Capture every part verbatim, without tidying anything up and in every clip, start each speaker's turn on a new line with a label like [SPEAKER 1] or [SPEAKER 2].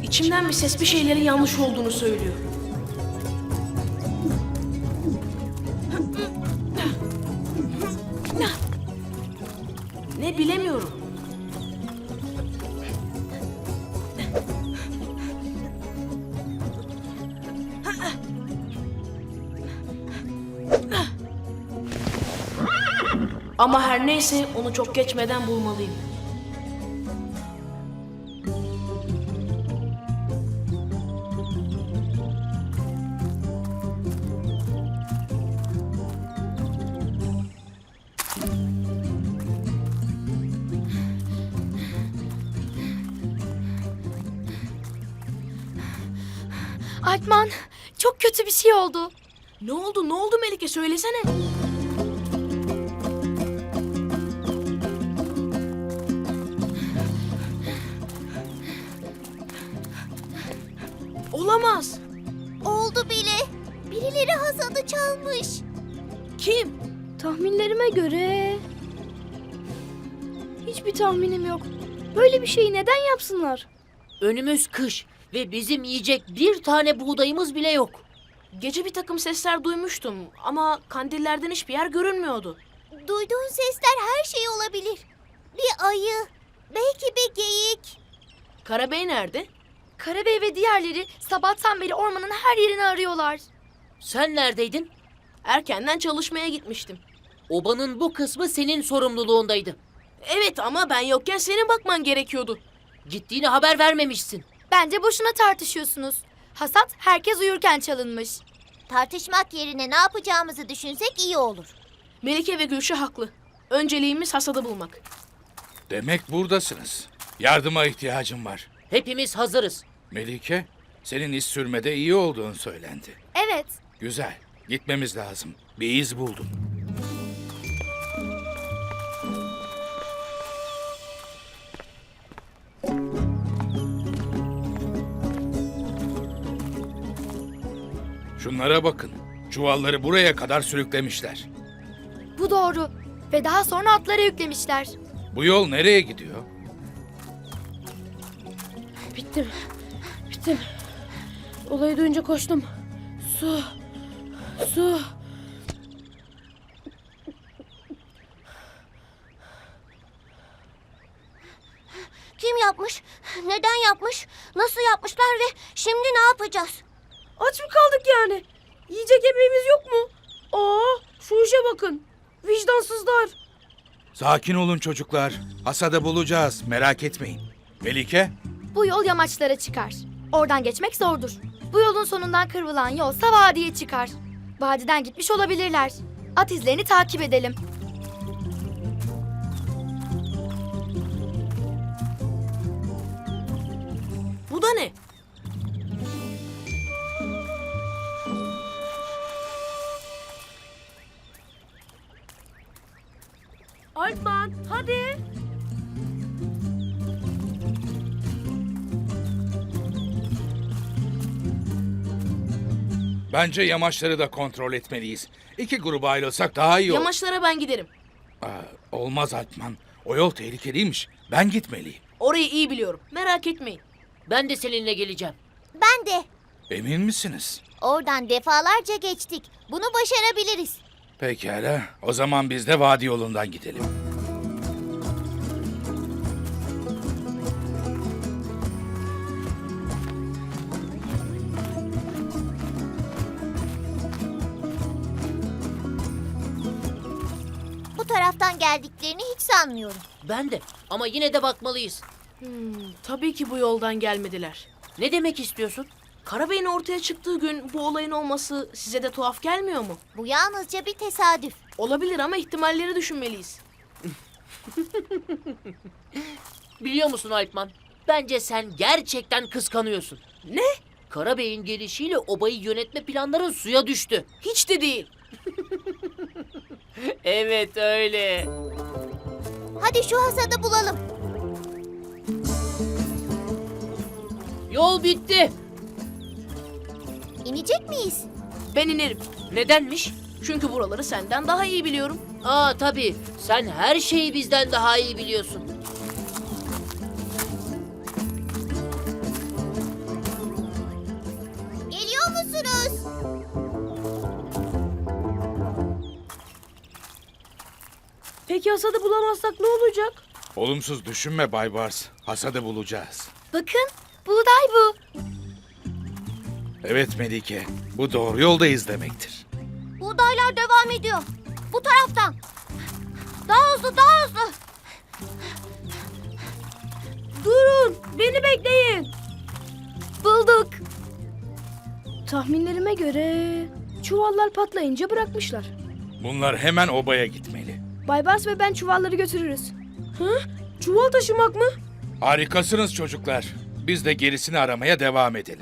[SPEAKER 1] İçimden bir ses bir şeylerin yanlış olduğunu söylüyor. Ne bilemiyorum. Ama her neyse onu çok geçmeden bulmalıyım.
[SPEAKER 2] Alpman, çok kötü bir şey oldu.
[SPEAKER 1] Ne oldu? Ne oldu Melike? Söylesene. Olamaz.
[SPEAKER 3] Oldu bile. Birileri Hasan'ı çalmış.
[SPEAKER 1] Kim?
[SPEAKER 2] Tahminlerime göre... Hiçbir tahminim yok. Böyle bir şeyi neden yapsınlar?
[SPEAKER 4] Önümüz kış ve bizim yiyecek bir tane buğdayımız bile yok.
[SPEAKER 1] Gece bir takım sesler duymuştum ama kandillerden hiçbir yer görünmüyordu.
[SPEAKER 3] Duyduğun sesler her şey olabilir. Bir ayı, belki bir geyik.
[SPEAKER 1] Karabey nerede?
[SPEAKER 2] Karabey ve diğerleri sabahtan beri ormanın her yerini arıyorlar.
[SPEAKER 4] Sen neredeydin?
[SPEAKER 1] Erkenden çalışmaya gitmiştim.
[SPEAKER 4] Obanın bu kısmı senin sorumluluğundaydı.
[SPEAKER 1] Evet ama ben yokken senin bakman gerekiyordu.
[SPEAKER 4] Gittiğini haber vermemişsin.
[SPEAKER 2] Bence boşuna tartışıyorsunuz. Hasat herkes uyurken çalınmış.
[SPEAKER 3] Tartışmak yerine ne yapacağımızı düşünsek iyi olur.
[SPEAKER 1] Melike ve Gülşah haklı. Önceliğimiz hasadı bulmak.
[SPEAKER 5] Demek buradasınız. Yardıma ihtiyacım var.
[SPEAKER 4] Hepimiz hazırız.
[SPEAKER 5] Melike, senin iz sürmede iyi olduğun söylendi.
[SPEAKER 2] Evet.
[SPEAKER 5] Güzel, gitmemiz lazım. Bir iz buldum. Şunlara bakın. Çuvalları buraya kadar sürüklemişler.
[SPEAKER 2] Bu doğru. Ve daha sonra atlara yüklemişler.
[SPEAKER 5] Bu yol nereye gidiyor?
[SPEAKER 1] Bittim. Bittim. Olayı duyunca koştum. Su. Su.
[SPEAKER 3] Kim yapmış? Neden yapmış? Nasıl yapmışlar ve şimdi ne yapacağız?
[SPEAKER 1] Aç mı kaldık yani? Yiyecek yemeğimiz yok mu? Aa, şu işe bakın. Vicdansızlar.
[SPEAKER 5] Sakin olun çocuklar. Hasadı bulacağız, merak etmeyin. Melike,
[SPEAKER 2] Bu yol yamaçlara çıkar. Oradan geçmek zordur. Bu yolun sonundan kıvrılan yolsa vadiye çıkar. Vadiden gitmiş olabilirler. At izlerini takip edelim.
[SPEAKER 1] Bu da ne? Alpman, hadi.
[SPEAKER 5] bence yamaçları da kontrol etmeliyiz. İki gruba ayrılsak daha iyi olur.
[SPEAKER 1] Yamaçlara ben giderim.
[SPEAKER 5] Aa, olmaz Alpman. O yol tehlikeliymiş. Ben gitmeliyim.
[SPEAKER 1] Orayı iyi biliyorum. Merak etmeyin.
[SPEAKER 4] Ben de seninle geleceğim.
[SPEAKER 3] Ben de.
[SPEAKER 5] Emin misiniz?
[SPEAKER 3] Oradan defalarca geçtik. Bunu başarabiliriz.
[SPEAKER 5] Pekala. O zaman biz de vadi yolundan gidelim.
[SPEAKER 3] Bu taraftan geldiklerini hiç sanmıyorum.
[SPEAKER 4] Ben de. Ama yine de bakmalıyız.
[SPEAKER 1] Hmm, tabii ki bu yoldan gelmediler.
[SPEAKER 4] Ne demek istiyorsun?
[SPEAKER 1] Karabey'in ortaya çıktığı gün bu olayın olması size de tuhaf gelmiyor mu?
[SPEAKER 3] Bu yalnızca bir tesadüf.
[SPEAKER 1] Olabilir ama ihtimalleri düşünmeliyiz.
[SPEAKER 4] Biliyor musun Alpman? Bence sen gerçekten kıskanıyorsun.
[SPEAKER 1] Ne?
[SPEAKER 4] Karabey'in gelişiyle obayı yönetme planların suya düştü.
[SPEAKER 1] Hiç de değil.
[SPEAKER 4] Evet öyle.
[SPEAKER 3] Hadi şu hasadı bulalım.
[SPEAKER 4] Yol bitti.
[SPEAKER 3] İnecek miyiz?
[SPEAKER 1] Ben inerim.
[SPEAKER 4] Nedenmiş?
[SPEAKER 1] Çünkü buraları senden daha iyi biliyorum.
[SPEAKER 4] Aa tabii. Sen her şeyi bizden daha iyi biliyorsun.
[SPEAKER 1] Peki hasadı bulamazsak ne olacak?
[SPEAKER 5] Olumsuz düşünme Bay Bars. Hasadı bulacağız.
[SPEAKER 2] Bakın, buğday bu.
[SPEAKER 5] Evet Melike, bu doğru yoldayız demektir.
[SPEAKER 3] Buğdaylar devam ediyor. Bu taraftan. Daha hızlı, daha hızlı.
[SPEAKER 1] Durun, beni bekleyin.
[SPEAKER 2] Bulduk.
[SPEAKER 1] Tahminlerime göre çuvallar patlayınca bırakmışlar.
[SPEAKER 5] Bunlar hemen obaya gitmeli.
[SPEAKER 1] Baybars ve ben çuvalları götürürüz. Hı? Çuval taşımak mı?
[SPEAKER 5] Harikasınız çocuklar. Biz de gerisini aramaya devam edelim.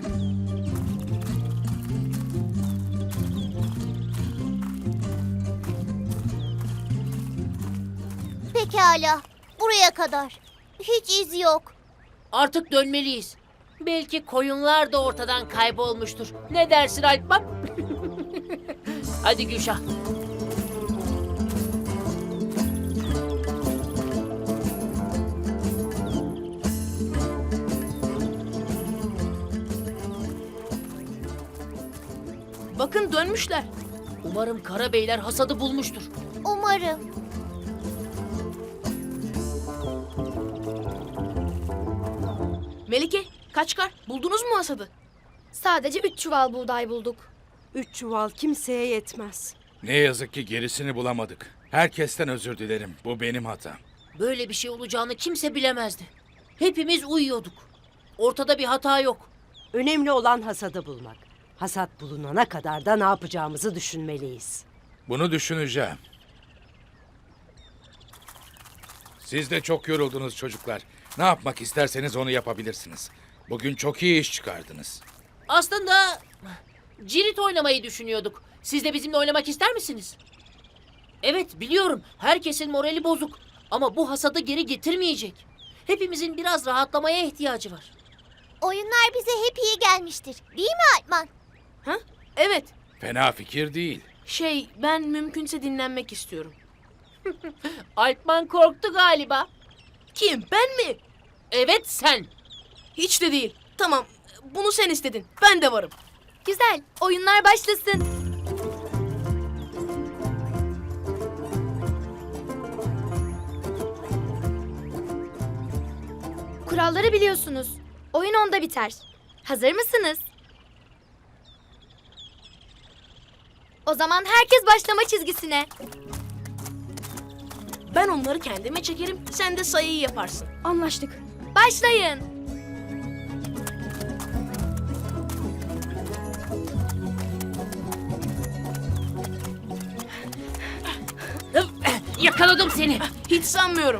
[SPEAKER 3] Pekala. Buraya kadar. Hiç iz yok.
[SPEAKER 4] Artık dönmeliyiz. Belki koyunlar da ortadan kaybolmuştur. Ne dersin Alpman? Hadi Gülşah.
[SPEAKER 1] Bakın dönmüşler.
[SPEAKER 4] Umarım Karabeyler hasadı bulmuştur.
[SPEAKER 3] Umarım.
[SPEAKER 1] Melike, Kaçkar, buldunuz mu hasadı?
[SPEAKER 2] Sadece üç çuval buğday bulduk.
[SPEAKER 1] Üç çuval kimseye yetmez.
[SPEAKER 5] Ne yazık ki gerisini bulamadık. Herkesten özür dilerim. Bu benim hatam.
[SPEAKER 4] Böyle bir şey olacağını kimse bilemezdi. Hepimiz uyuyorduk. Ortada bir hata yok.
[SPEAKER 6] Önemli olan hasadı bulmak. Hasat bulunana kadar da ne yapacağımızı düşünmeliyiz.
[SPEAKER 5] Bunu düşüneceğim. Siz de çok yoruldunuz çocuklar. Ne yapmak isterseniz onu yapabilirsiniz. Bugün çok iyi iş çıkardınız.
[SPEAKER 4] Aslında cirit oynamayı düşünüyorduk. Siz de bizimle oynamak ister misiniz? Evet biliyorum herkesin morali bozuk. Ama bu hasadı geri getirmeyecek. Hepimizin biraz rahatlamaya ihtiyacı var.
[SPEAKER 3] Oyunlar bize hep iyi gelmiştir. Değil mi Alpman?
[SPEAKER 1] Ha? Evet.
[SPEAKER 5] Fena fikir değil.
[SPEAKER 1] Şey, ben mümkünse dinlenmek istiyorum.
[SPEAKER 4] Alpman korktu galiba.
[SPEAKER 1] Kim, ben mi?
[SPEAKER 4] Evet sen.
[SPEAKER 1] Hiç de değil. Tamam, bunu sen istedin. Ben de varım.
[SPEAKER 2] Güzel, oyunlar başlasın. Kuralları biliyorsunuz. Oyun onda biter. Hazır mısınız? O zaman herkes başlama çizgisine.
[SPEAKER 1] Ben onları kendime çekerim, sen de sayıyı yaparsın. Anlaştık.
[SPEAKER 2] Başlayın.
[SPEAKER 4] Yakaladım seni.
[SPEAKER 1] Hiç sanmıyorum.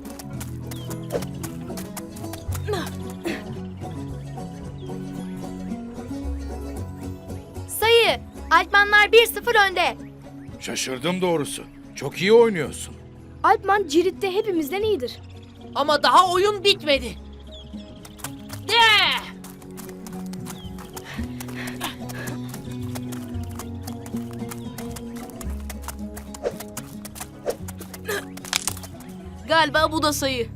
[SPEAKER 2] Sayı. Alpmanlar bir sıfır önde.
[SPEAKER 5] Şaşırdım doğrusu. Çok iyi oynuyorsun.
[SPEAKER 1] Alpman Cirit'te hepimizden iyidir.
[SPEAKER 4] Ama daha oyun bitmedi. De!
[SPEAKER 1] Galiba bu da sayı.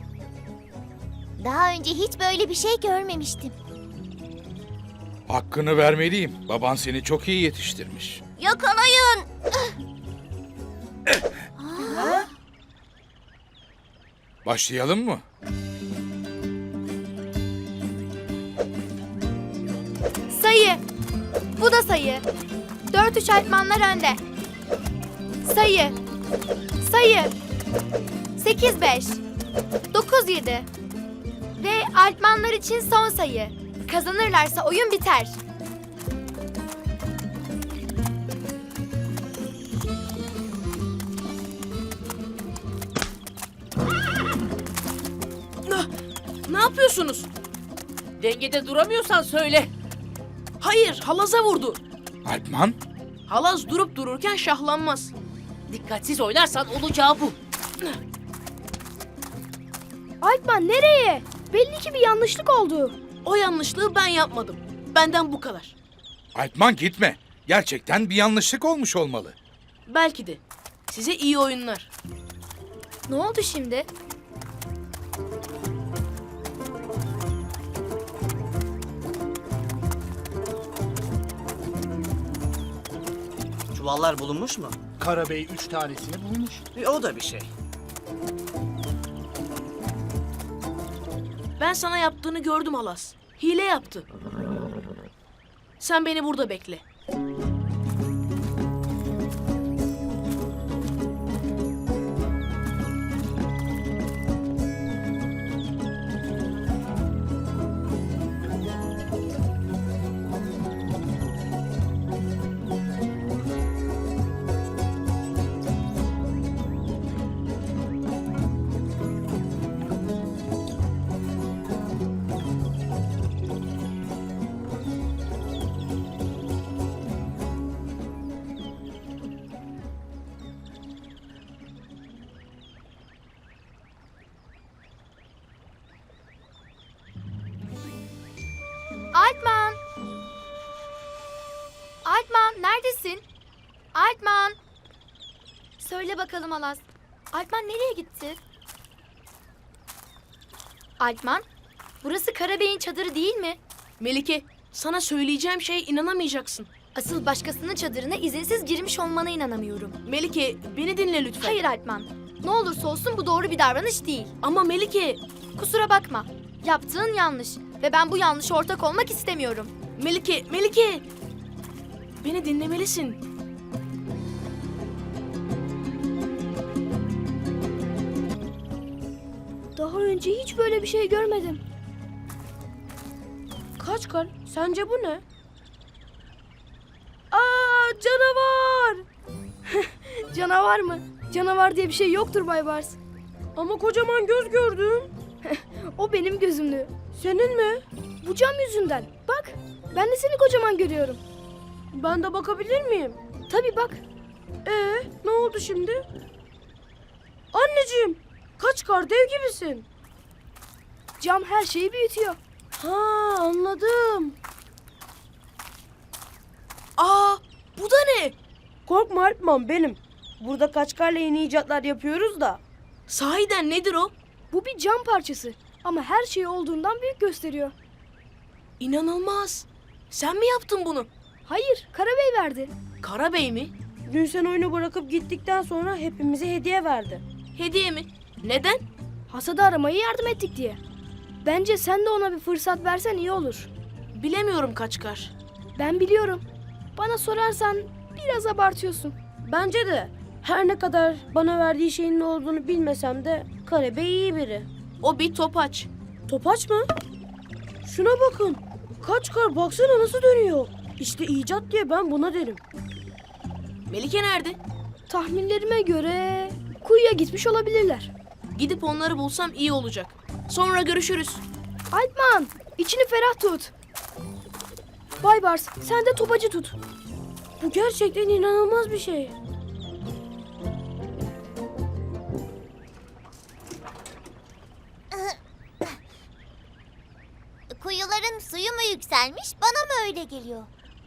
[SPEAKER 3] Daha önce hiç böyle bir şey görmemiştim.
[SPEAKER 5] Hakkını vermeliyim. Baban seni çok iyi yetiştirmiş.
[SPEAKER 3] Yakalayın.
[SPEAKER 5] Başlayalım mı?
[SPEAKER 2] Sayı. Bu da sayı. Dört üç Alpmanlar önde. Sayı. Sayı. Sekiz beş. Dokuz yedi. Ve Alpmanlar için son sayı. Kazanırlarsa oyun biter.
[SPEAKER 1] Ah, ne yapıyorsunuz?
[SPEAKER 4] Dengede duramıyorsan söyle.
[SPEAKER 1] Hayır, halaza vurdu.
[SPEAKER 5] Alpman,
[SPEAKER 1] Halaz durup dururken şahlanmaz.
[SPEAKER 4] Dikkatsiz oynarsan olacağı bu.
[SPEAKER 1] Alpman nereye? Belli ki bir yanlışlık oldu. O yanlışlığı ben yapmadım. Benden bu kadar.
[SPEAKER 5] Alpman gitme. Gerçekten bir yanlışlık olmuş olmalı.
[SPEAKER 1] Belki de. Size iyi oyunlar.
[SPEAKER 2] Ne oldu şimdi?
[SPEAKER 7] Çuvallar bulunmuş mu?
[SPEAKER 8] Karabey üç tanesini bulmuş.
[SPEAKER 7] E, o da bir şey.
[SPEAKER 1] Ben sana yaptığını gördüm Alas. Hile yaptı. Sen beni burada bekle.
[SPEAKER 2] Alpman! Alpman neredesin? Alpman! Söyle bakalım Alas. Alpman nereye gitti? Alpman, burası Karabey'in çadırı değil mi?
[SPEAKER 1] Melike, sana söyleyeceğim şeye inanamayacaksın.
[SPEAKER 2] Asıl başkasının çadırına izinsiz girmiş olmana inanamıyorum.
[SPEAKER 1] Melike, beni dinle lütfen.
[SPEAKER 2] Hayır Alpman. Ne olursa olsun bu doğru bir davranış değil.
[SPEAKER 1] Ama Melike,
[SPEAKER 2] Kusura bakma. Yaptığın yanlış ve ben bu yanlışa ortak olmak istemiyorum.
[SPEAKER 1] Melike, Melike! Beni dinlemelisin.
[SPEAKER 2] Daha önce hiç böyle bir şey görmedim.
[SPEAKER 1] Kaçkar, sence bu ne? Aa, canavar!
[SPEAKER 2] Canavar mı? Canavar diye bir şey yoktur Bay Bars.
[SPEAKER 1] Ama kocaman göz gördüm.
[SPEAKER 2] O benim gözümlü.
[SPEAKER 1] Senin mi?
[SPEAKER 2] Bu cam yüzünden. Bak, ben de seni kocaman görüyorum.
[SPEAKER 1] Ben de bakabilir miyim?
[SPEAKER 2] Tabii bak.
[SPEAKER 1] Ee, ne oldu şimdi? Anneciğim, Kaçkar dev gibisin.
[SPEAKER 2] Cam her şeyi büyütüyor.
[SPEAKER 1] Ha, anladım. Aa, bu da ne? Korkma Alpman, benim. Burada Kaçkar'la yeni icatlar yapıyoruz da. Sahiden nedir o?
[SPEAKER 2] Bu bir cam parçası ama her şey olduğundan büyük gösteriyor.
[SPEAKER 1] İnanılmaz. Sen mi yaptın bunu?
[SPEAKER 2] Hayır, Karabey verdi.
[SPEAKER 1] Karabey mi? Dün sen oyunu bırakıp gittikten sonra hepimize hediye verdi. Hediye mi? Neden?
[SPEAKER 2] Hasadı aramaya yardım ettik diye. Bence sen de ona bir fırsat versen iyi olur.
[SPEAKER 1] Bilemiyorum Kaçkar.
[SPEAKER 2] Ben biliyorum. Bana sorarsan biraz abartıyorsun.
[SPEAKER 1] Bence de. Her ne kadar bana verdiği şeyin ne olduğunu bilmesem de Karabey iyi biri. O bir topaç. Topaç mı? Şuna bakın. Kaçkar, baksana nasıl dönüyor. İşte icat diye ben buna derim. Melike nerede?
[SPEAKER 2] Tahminlerime göre kuyuya gitmiş olabilirler.
[SPEAKER 1] Gidip onları bulsam iyi olacak. Sonra görüşürüz.
[SPEAKER 2] Alpman, içini ferah tut. Bay Bars, sen de topacı tut.
[SPEAKER 1] Bu gerçekten inanılmaz bir şey.
[SPEAKER 3] Kuyuların suyu mu yükselmiş, bana mı öyle geliyor?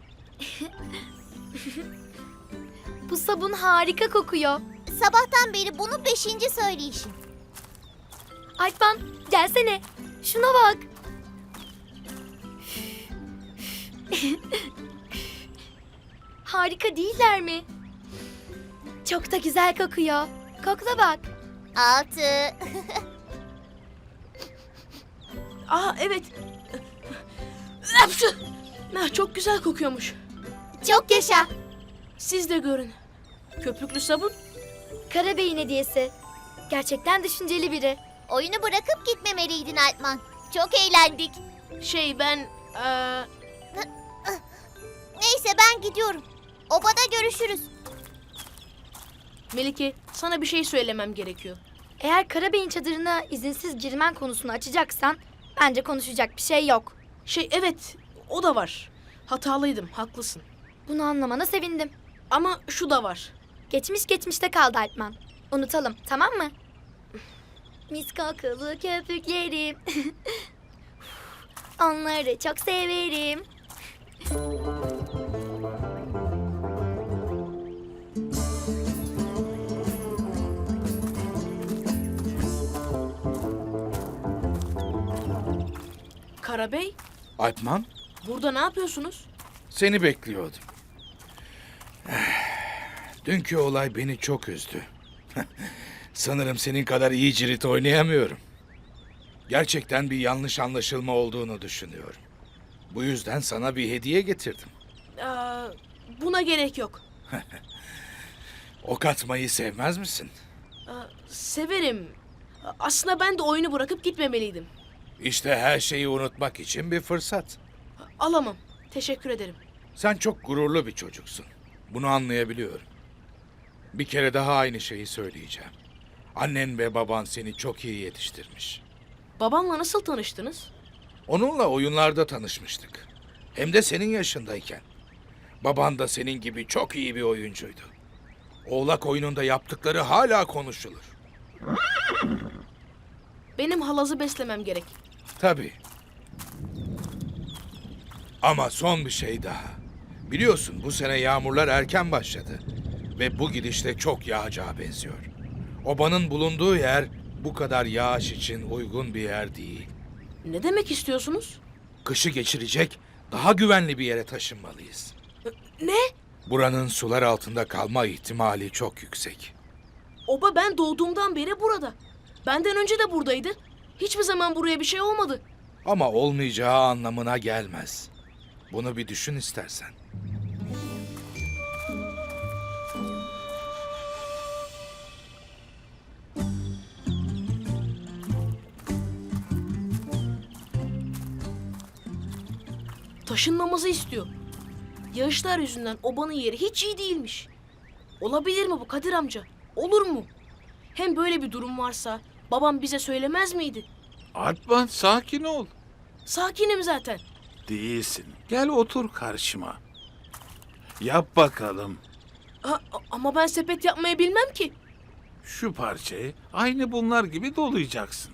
[SPEAKER 2] Bu sabun harika kokuyor.
[SPEAKER 3] Sabahtan beri bunu beşinci söyleyişim.
[SPEAKER 2] Alpman, gelsene. Şuna bak. Harika değiller mi? Çok da güzel kokuyor. Kokla bak.
[SPEAKER 3] Altı.
[SPEAKER 1] Aa, evet. Hapşu! Ah, çok güzel kokuyormuş.
[SPEAKER 2] Çok yaşa.
[SPEAKER 1] Siz de görün. Köpüklü sabun.
[SPEAKER 2] Karabey'in hediyesi. Gerçekten düşünceli biri.
[SPEAKER 3] Oyunu bırakıp gitmemeliydin Alpman. Çok eğlendik.
[SPEAKER 1] Şey ben... eee,
[SPEAKER 3] Neyse ben gidiyorum. Obada görüşürüz.
[SPEAKER 1] Melike, sana bir şey söylemem gerekiyor.
[SPEAKER 2] Eğer Karabey'in çadırına izinsiz girmen konusunu açacaksan bence konuşacak bir şey yok.
[SPEAKER 1] Şey evet, o da var. Hatalıydım, haklısın.
[SPEAKER 2] Bunu anlamana sevindim.
[SPEAKER 1] Ama şu da var.
[SPEAKER 2] Geçmiş geçmişte kaldı Alpman. Unutalım, tamam mı? Mis kokulu köpüklerim. Onları çok severim.
[SPEAKER 1] Karabey,
[SPEAKER 5] Alpman,
[SPEAKER 1] burada ne yapıyorsunuz?
[SPEAKER 5] seni bekliyordum. Dünkü olay beni çok üzdü. Sanırım senin kadar iyi cirit oynayamıyorum. Gerçekten bir yanlış anlaşılma olduğunu düşünüyorum. Bu yüzden sana bir hediye getirdim.
[SPEAKER 1] Aa, buna gerek yok.
[SPEAKER 5] Ok atmayı sevmez misin?
[SPEAKER 1] Aa, severim. Aslında ben de oyunu bırakıp gitmemeliydim.
[SPEAKER 5] İşte her şeyi unutmak için bir fırsat.
[SPEAKER 1] Alamam. Teşekkür ederim.
[SPEAKER 5] Sen çok gururlu bir çocuksun. Bunu anlayabiliyorum. Bir kere daha aynı şeyi söyleyeceğim. Annen ve baban seni çok iyi yetiştirmiş.
[SPEAKER 1] Babamla nasıl tanıştınız?
[SPEAKER 5] Onunla oyunlarda tanışmıştık. Hem de senin yaşındayken. Baban da senin gibi çok iyi bir oyuncuydu. Oğlak oyununda yaptıkları hala konuşulur.
[SPEAKER 1] Benim halazı beslemem gerek.
[SPEAKER 5] Tabii. Ama son bir şey daha. Biliyorsun bu sene yağmurlar erken başladı. Ve bu gidişle çok yağacağı benziyor. Obanın bulunduğu yer bu kadar yağış için uygun bir yer değil.
[SPEAKER 1] Ne demek istiyorsunuz?
[SPEAKER 5] Kışı geçirecek daha güvenli bir yere taşınmalıyız.
[SPEAKER 1] Ne?
[SPEAKER 5] Buranın sular altında kalma ihtimali çok yüksek.
[SPEAKER 1] Oba ben doğduğumdan beri burada. Benden önce de buradaydı. Hiçbir zaman buraya bir şey olmadı.
[SPEAKER 5] Ama olmayacağı anlamına gelmez. Bunu bir düşün istersen.
[SPEAKER 1] Taşınmamızı istiyor. Yağışlar yüzünden obanın yeri hiç iyi değilmiş. Olabilir mi bu Kadir amca? Olur mu? Hem böyle bir durum varsa babam bize söylemez miydi?
[SPEAKER 9] Alpman sakin ol.
[SPEAKER 1] Sakinim zaten.
[SPEAKER 9] Değilsin. Gel otur karşıma. Yap bakalım.
[SPEAKER 1] Ha, ama ben sepet yapmayı bilmem ki.
[SPEAKER 9] Şu parçayı aynı bunlar gibi dolayacaksın.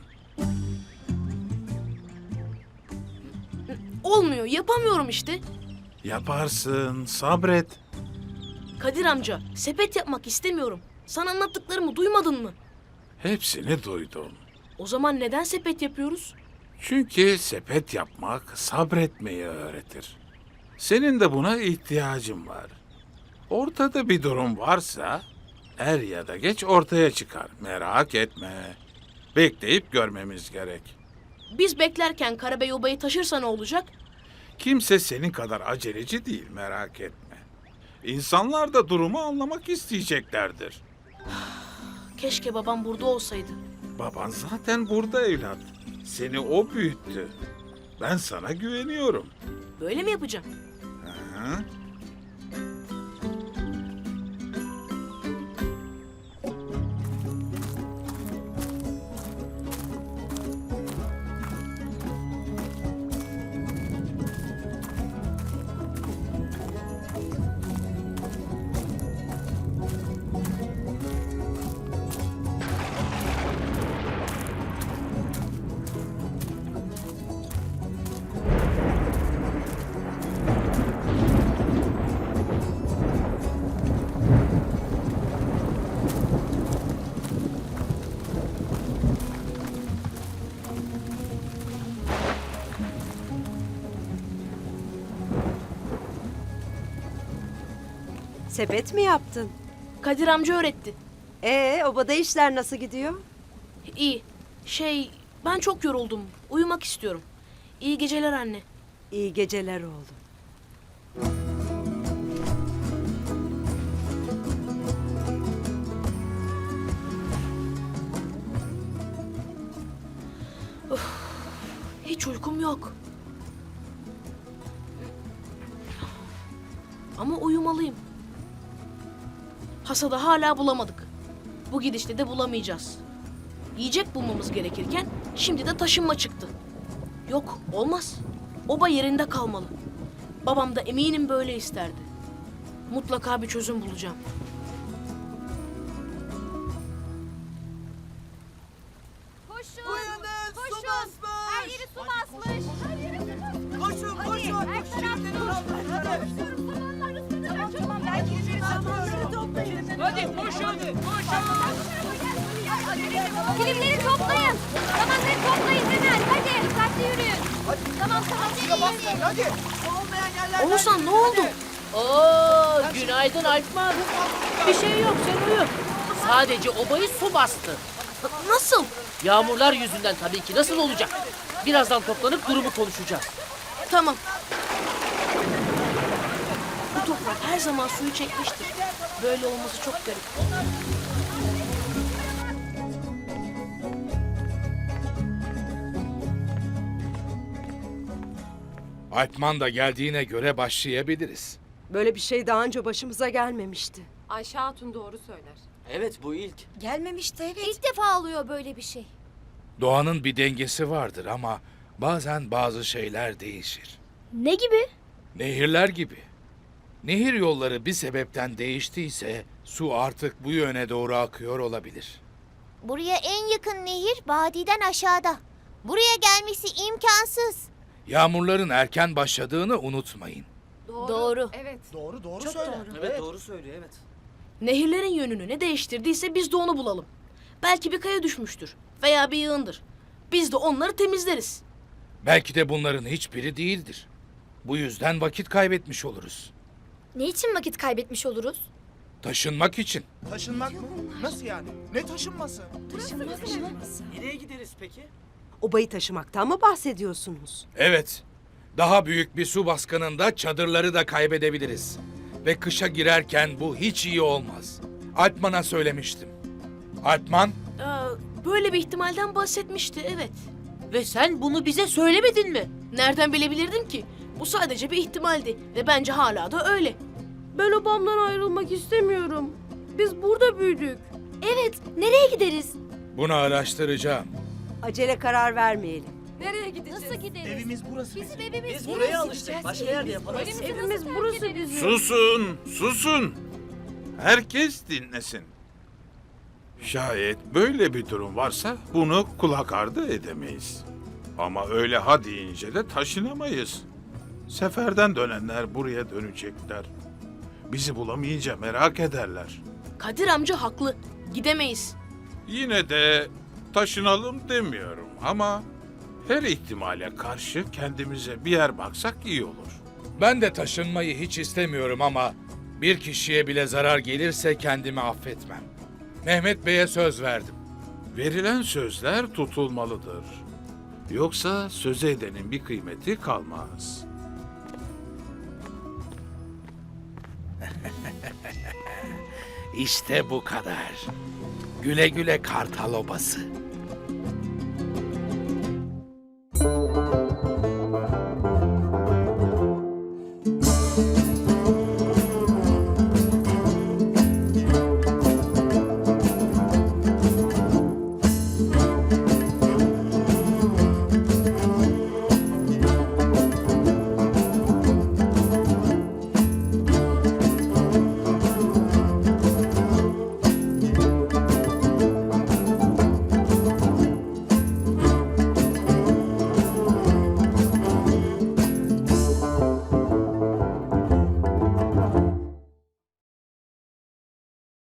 [SPEAKER 1] Olmuyor, yapamıyorum işte.
[SPEAKER 9] Yaparsın, sabret.
[SPEAKER 1] Kadir amca, sepet yapmak istemiyorum. Sana anlattıklarımı duymadın mı?
[SPEAKER 9] Hepsini duydum.
[SPEAKER 1] O zaman neden sepet yapıyoruz?
[SPEAKER 9] Çünkü sepet yapmak sabretmeyi öğretir. Senin de buna ihtiyacın var. Ortada bir durum varsa er ya da geç ortaya çıkar. Merak etme. Bekleyip görmemiz gerek.
[SPEAKER 1] Biz beklerken Karabey obayı taşırsa ne olacak?
[SPEAKER 9] Kimse senin kadar aceleci değil, merak etme. İnsanlar da durumu anlamak isteyeceklerdir.
[SPEAKER 1] Keşke babam burada olsaydı.
[SPEAKER 9] Baban zaten burada evlat. Seni o büyüttü. Ben sana güveniyorum.
[SPEAKER 1] Böyle mi yapacağım?
[SPEAKER 9] Hı?
[SPEAKER 6] Sepet mi yaptın?
[SPEAKER 1] Kadir amca öğretti.
[SPEAKER 6] Ee, obada işler nasıl gidiyor?
[SPEAKER 1] İyi. Şey, ben çok yoruldum. Uyumak istiyorum. İyi geceler anne.
[SPEAKER 6] İyi geceler oğlum.
[SPEAKER 1] Hiç uykum yok. Ama uyumalıyım. Hasadı hala bulamadık. Bu gidişle de bulamayacağız. Yiyecek bulmamız gerekirken şimdi de taşınma çıktı. Yok, olmaz. Oba yerinde kalmalı. Babam da eminim böyle isterdi. Mutlaka bir çözüm bulacağım.
[SPEAKER 10] Koşun! Koşun! Her yeri su basmış! Her yeri su basmış! Koşun! Koşun! Her taraf su! Samanlar ıslanacak! Tamam, ben kirleri toplayın! Hadi koşun! Kilimleri toplayın! Samanları toplayın hemen! Hadi! Dikkatli yürüyün! Tamam tamam!
[SPEAKER 7] Suya basmayın hadi. Su olmayan yerlerden.
[SPEAKER 1] Oğuzhan ne oldu?
[SPEAKER 4] Oo, günaydın Alpman. Bir şey yok, sen uyu. Sadece obayı su bastı.
[SPEAKER 1] Nasıl?
[SPEAKER 4] Yağmurlar yüzünden tabii ki. Nasıl olacak? Birazdan toplanıp durumu konuşacağız.
[SPEAKER 1] Tamam. Bu toprak her zaman suyu çekmiştir. Böyle olması çok garip.
[SPEAKER 5] Alpman da geldiğine göre başlayabiliriz.
[SPEAKER 6] Böyle bir şey daha önce başımıza gelmemişti.
[SPEAKER 10] Ayşe Hatun doğru söyler.
[SPEAKER 7] Evet bu ilk.
[SPEAKER 2] Gelmemişti evet. İlk defa oluyor böyle bir şey.
[SPEAKER 5] Doğanın bir dengesi vardır ama bazen bazı şeyler değişir.
[SPEAKER 1] Ne gibi?
[SPEAKER 5] Nehirler gibi. Nehir yolları bir sebepten değiştiyse su artık bu yöne doğru akıyor olabilir.
[SPEAKER 3] Buraya en yakın nehir vadiden aşağıda. Buraya gelmesi imkansız.
[SPEAKER 5] Yağmurların erken başladığını unutmayın.
[SPEAKER 1] Doğru.
[SPEAKER 10] Evet.
[SPEAKER 8] Doğru doğru söyle.
[SPEAKER 7] Evet, doğru söylüyor evet.
[SPEAKER 1] Nehirlerin yönünü ne değiştirdiyse biz de onu bulalım. Belki bir kaya düşmüştür veya bir yığındır. Biz de onları temizleriz.
[SPEAKER 5] Belki de bunların hiçbiri değildir. Bu yüzden vakit kaybetmiş oluruz.
[SPEAKER 2] Ne için vakit kaybetmiş oluruz?
[SPEAKER 5] Taşınmak için.
[SPEAKER 8] Taşınmak mı? Nasıl yani? Ne taşınması?
[SPEAKER 7] Nereye gideriz peki?
[SPEAKER 6] Obayı taşımaktan mı bahsediyorsunuz?
[SPEAKER 5] Evet. Daha büyük bir su baskınında çadırları da kaybedebiliriz. Ve kışa girerken bu hiç iyi olmaz. Alpman'a söylemiştim. Alpman,
[SPEAKER 1] Böyle bir ihtimalden bahsetmişti, evet.
[SPEAKER 4] Ve sen bunu bize söylemedin mi?
[SPEAKER 1] Nereden bilebilirdim ki? Bu sadece bir ihtimaldi ve bence hala da öyle. Ben obamdan ayrılmak istemiyorum. Biz burada büyüdük.
[SPEAKER 2] Evet, nereye gideriz?
[SPEAKER 5] bunu araştıracağım.
[SPEAKER 6] Acele karar vermeyelim.
[SPEAKER 10] Nereye gideceğiz?
[SPEAKER 3] Nasıl gideriz?
[SPEAKER 8] Evimiz burası.
[SPEAKER 2] Bizim evimiz
[SPEAKER 7] Biz
[SPEAKER 2] neresi?
[SPEAKER 7] buraya alıştık. Başka yerde yapalım.
[SPEAKER 1] Evimiz burası bizim.
[SPEAKER 9] Susun, susun. Herkes dinlesin. Şayet böyle bir durum varsa bunu kulak ardı edemeyiz. Ama öyle ha deyince de taşınamayız. Seferden dönenler buraya dönecekler. Bizi bulamayınca merak ederler.
[SPEAKER 1] Kadir amca haklı. Gidemeyiz.
[SPEAKER 9] Yine de taşınalım demiyorum ama her ihtimale karşı kendimize bir yer baksak iyi olur.
[SPEAKER 5] Ben de taşınmayı hiç istemiyorum ama bir kişiye bile zarar gelirse kendimi affetmem. Mehmet Bey'e söz verdim.
[SPEAKER 9] Verilen sözler tutulmalıdır. Yoksa söz edenin bir kıymeti kalmaz.
[SPEAKER 5] İşte bu kadar. Güle güle Kartal Obası.